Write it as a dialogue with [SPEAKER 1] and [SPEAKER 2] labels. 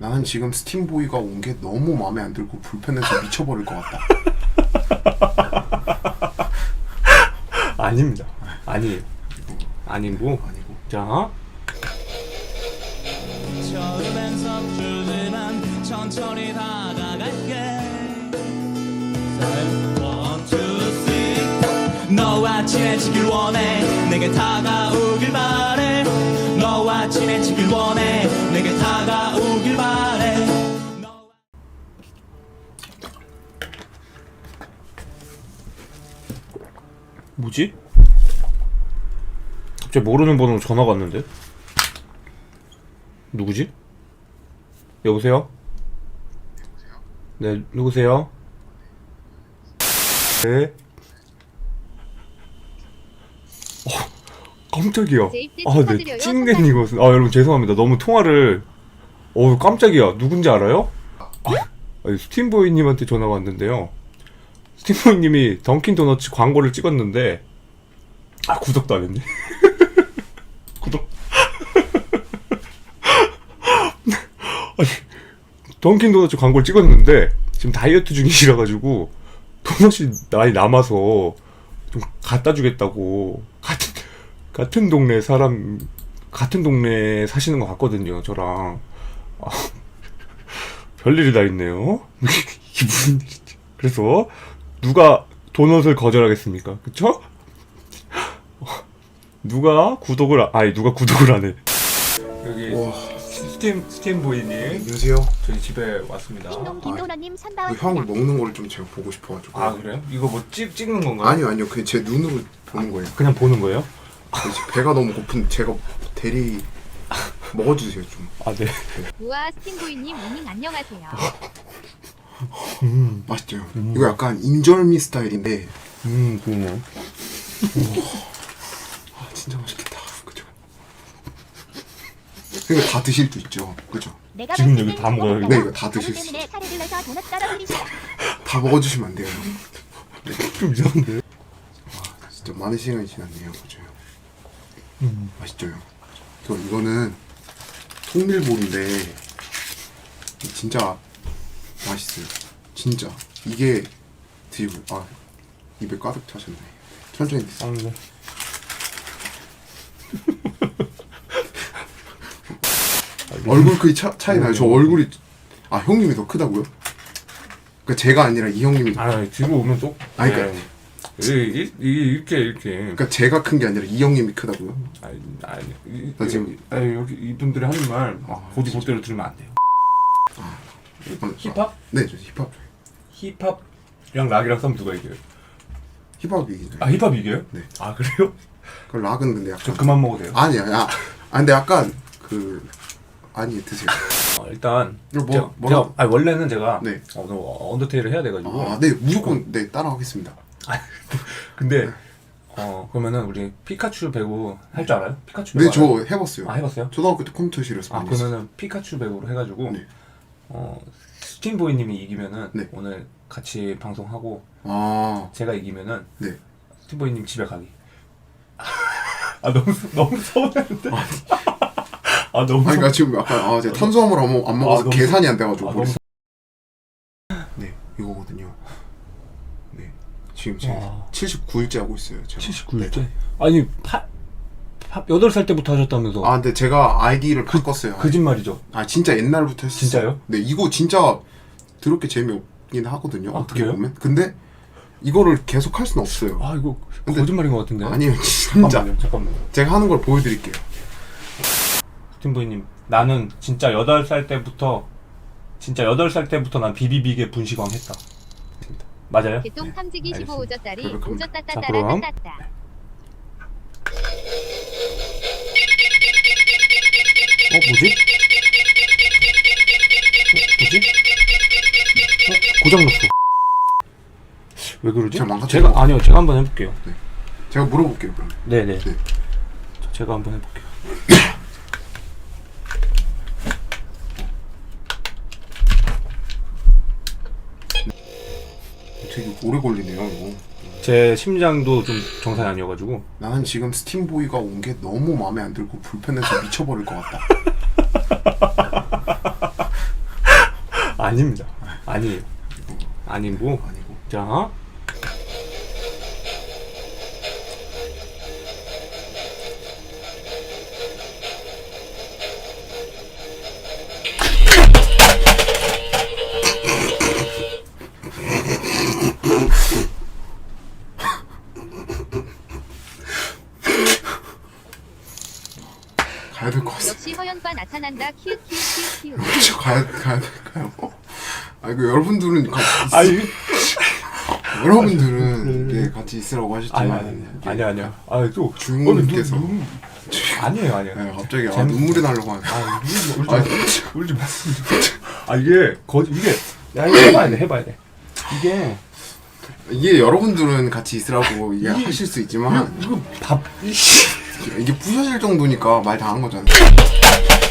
[SPEAKER 1] 나는 지금 스팀보이가 온 게 너무 마음에 안 들고 불편해서 미쳐버릴 것 같다.
[SPEAKER 2] 아닙니다. 아니에요. 아니고.
[SPEAKER 1] 아니고.
[SPEAKER 2] 자.
[SPEAKER 3] 천천히 다가갈게. 너와 친해지길 원해. 내게 다가오길 바래. 너와 친해지길 원해. 내게 다가오길 바래.
[SPEAKER 2] 뭐지? 갑자기 모르는 번호로 전화가 왔는데? 누구지? 여보세요? 네, 누구세요? 네. 깜짝이야. 네, 찡낸 이것은. 여러분 죄송합니다. 너무 통화를. 깜짝이야. 누군지 알아요? 스팀보이님한테 전화가 왔는데요. 스팀보이님이 던킨 도너츠 광고를 찍었는데, 구독도 안 했네. 구독. 던킨 도너츠 광고를 찍었는데 지금 다이어트 중이시라가지고 도넛이 많이 남아서 좀 갖다 주겠다고 같은 동네 사람 같은 동네에 사시는 것 같거든요. 저랑 별일이 다 있네요. 이게 무슨 일이지? 그래서 누가 도넛을 거절하겠습니까? 그쵸? 누가 구독을 안 해? 여기 스팀보이님
[SPEAKER 1] 안녕하세요.
[SPEAKER 2] 저희 집에 왔습니다.
[SPEAKER 4] 김도라님
[SPEAKER 1] 그
[SPEAKER 4] 선다운
[SPEAKER 1] 형 먹는 거를 좀 제가 보고 싶어가지고.
[SPEAKER 2] 그래요? 이거 뭐 찍는 건가요?
[SPEAKER 1] 아니요. 그냥 제 눈으로 보는 거예요.
[SPEAKER 2] 그냥 보는 거예요?
[SPEAKER 1] 그래서 배가 너무 고픈 제가 대리 먹어주세요 좀.
[SPEAKER 2] 네.
[SPEAKER 4] 우와 스팅보이님 오닝 안녕하세요.
[SPEAKER 1] 맛있죠. 이거 약간 인절미 스타일인데.
[SPEAKER 2] 그러네요.
[SPEAKER 1] 진짜 맛있겠다. 그죠? 이거 다 드실 수 있죠. 그죠?
[SPEAKER 4] 내가
[SPEAKER 2] 지금 여기 다 먹어요, 이거?
[SPEAKER 1] 네, 이거 다 드실 수
[SPEAKER 4] 때문에 사례를 내서 도넛 떨어뜨리세요.
[SPEAKER 1] 다 먹어주시면 안 돼요.
[SPEAKER 2] 좀 이상한데?
[SPEAKER 1] 진짜 많은 시간이 지났네요. 그죠? 맛있죠. 이거는 통밀볼인데 진짜 맛있어요. 진짜 이게 드시고 입에 가득 차셨네. 천천히 드세요.
[SPEAKER 2] 네.
[SPEAKER 1] 얼굴 크기 차이 나요. 저 얼굴이 형님이 더 크다고요? 그러니까 제가 아니라 이 형님이
[SPEAKER 2] 뒤로 오면 또.
[SPEAKER 1] 그러니까
[SPEAKER 2] 이렇게.
[SPEAKER 1] 그러니까 제가 큰 게 아니라 이 형님이 크다고요?
[SPEAKER 2] 나
[SPEAKER 1] 지금
[SPEAKER 2] 여기 이분들이 하는 말 보디 볼대로 들으면 안 돼요. 힙합?
[SPEAKER 1] 네, 저 힙합.
[SPEAKER 2] 힙합이랑 락이랑 싸면 누가 이겨요?
[SPEAKER 1] 힙합이 이기죠.
[SPEAKER 2] 힙합 이겨요?
[SPEAKER 1] 네.
[SPEAKER 2] 그래요?
[SPEAKER 1] 그 락은 근데 약간
[SPEAKER 2] 저 그만 먹어도 돼요?
[SPEAKER 1] 아니야. 근데 약간 드세요.
[SPEAKER 2] 일단
[SPEAKER 1] 이거
[SPEAKER 2] 원래는 제가
[SPEAKER 1] 네.
[SPEAKER 2] 언더테일을 해야 돼가지고.
[SPEAKER 1] 네, 무조건 네 따라하겠습니다.
[SPEAKER 2] 근데 그러면은 우리 피카츄 배구 할 줄 알아요? 피카츄
[SPEAKER 1] 네,
[SPEAKER 2] 배구
[SPEAKER 1] 저
[SPEAKER 2] 알아요?
[SPEAKER 1] 해봤어요.
[SPEAKER 2] 해봤어요?
[SPEAKER 1] 초등학교 때 컴퓨터실에서 많이 했어요.
[SPEAKER 2] 그러면은 피카츄 배구로 해가지고
[SPEAKER 1] 네.
[SPEAKER 2] 스팀보이님이 이기면은
[SPEAKER 1] 네.
[SPEAKER 2] 오늘 같이 방송하고 제가 이기면은
[SPEAKER 1] 네.
[SPEAKER 2] 스팀보이님 집에 가기. 너무 서운했는데. 너무.
[SPEAKER 1] 그러니까 지금 약간 제가 탄수화물 안 먹어서
[SPEAKER 2] 너무
[SPEAKER 1] 계산이 안 돼가지고.
[SPEAKER 2] 너무.
[SPEAKER 1] 네, 이거거든요. 네, 지금 제가 79일째 하고 있어요. 제가.
[SPEAKER 2] 79일째? 아니 8살 때부터 하셨다면서.
[SPEAKER 1] 근데 제가 아이디를 바꿨어요.
[SPEAKER 2] 거짓말이죠?
[SPEAKER 1] 진짜 옛날부터 했어요.
[SPEAKER 2] 진짜요?
[SPEAKER 1] 네, 이거 진짜 더럽게 재미없긴 하거든요. 어떻게
[SPEAKER 2] 그래요?
[SPEAKER 1] 보면. 근데 이거를 계속 할 수는 없어요.
[SPEAKER 2] 이거
[SPEAKER 1] 근데-
[SPEAKER 2] 거짓말인 것 같은데.
[SPEAKER 1] 아니요, 진짜.
[SPEAKER 2] 잠깐만요.
[SPEAKER 1] 제가 하는 걸 보여드릴게요.
[SPEAKER 2] 스팀보이님, 나는 진짜 8살 때부터 난 비비빅의 분식왕 했다. 맞아요?
[SPEAKER 4] 개똥 탐지기
[SPEAKER 2] 알겠습니다.
[SPEAKER 4] 15오졌다리
[SPEAKER 1] 그럼.
[SPEAKER 4] 오졌다따따라
[SPEAKER 2] 자, 그럼.
[SPEAKER 4] 따따따.
[SPEAKER 2] 뭐지? 고장났어. 왜 그러지?
[SPEAKER 1] 제가 망가뜨린 거
[SPEAKER 2] 아니요, 제가 한번 해볼게요.
[SPEAKER 1] 제가 물어볼게요, 그럼.
[SPEAKER 2] 네네.
[SPEAKER 1] 네.
[SPEAKER 2] 제가 한번 해볼게요.
[SPEAKER 1] 되게 오래 걸리네요, 이거.
[SPEAKER 2] 제 심장도 좀 정상이 아니어가지고.
[SPEAKER 1] 나는 지금 스팀보이가 온 게 너무 마음에 안 들고 불편해서 미쳐버릴 것 같다.
[SPEAKER 2] 아닙니다. 아니에요. 아니고.
[SPEAKER 1] 아니고.
[SPEAKER 2] 자.
[SPEAKER 1] 가야 될 것 같아.
[SPEAKER 4] 역시 허연과 나타난다. 키읔키읔키읔키읔.
[SPEAKER 1] 그렇죠. 가야 될까요? 아 이거 여러분들은 같이
[SPEAKER 2] 아니.
[SPEAKER 1] 여러분들은 이게 같이 있으라고 하셨지만
[SPEAKER 2] 아니야. 아, 또
[SPEAKER 1] 주인공님께서
[SPEAKER 2] 아니에요.
[SPEAKER 1] 네, 갑자기
[SPEAKER 2] 재밌-
[SPEAKER 1] 눈물이 나려고 하네.
[SPEAKER 2] 울지 마. 아 이게 이게 해봐야 돼.
[SPEAKER 1] 이게 여러분들은 같이 있으라고 이게 하실 수 있지만
[SPEAKER 2] 이거 밥
[SPEAKER 1] 이게 부셔질 정도니까 말 다 한 거잖아요.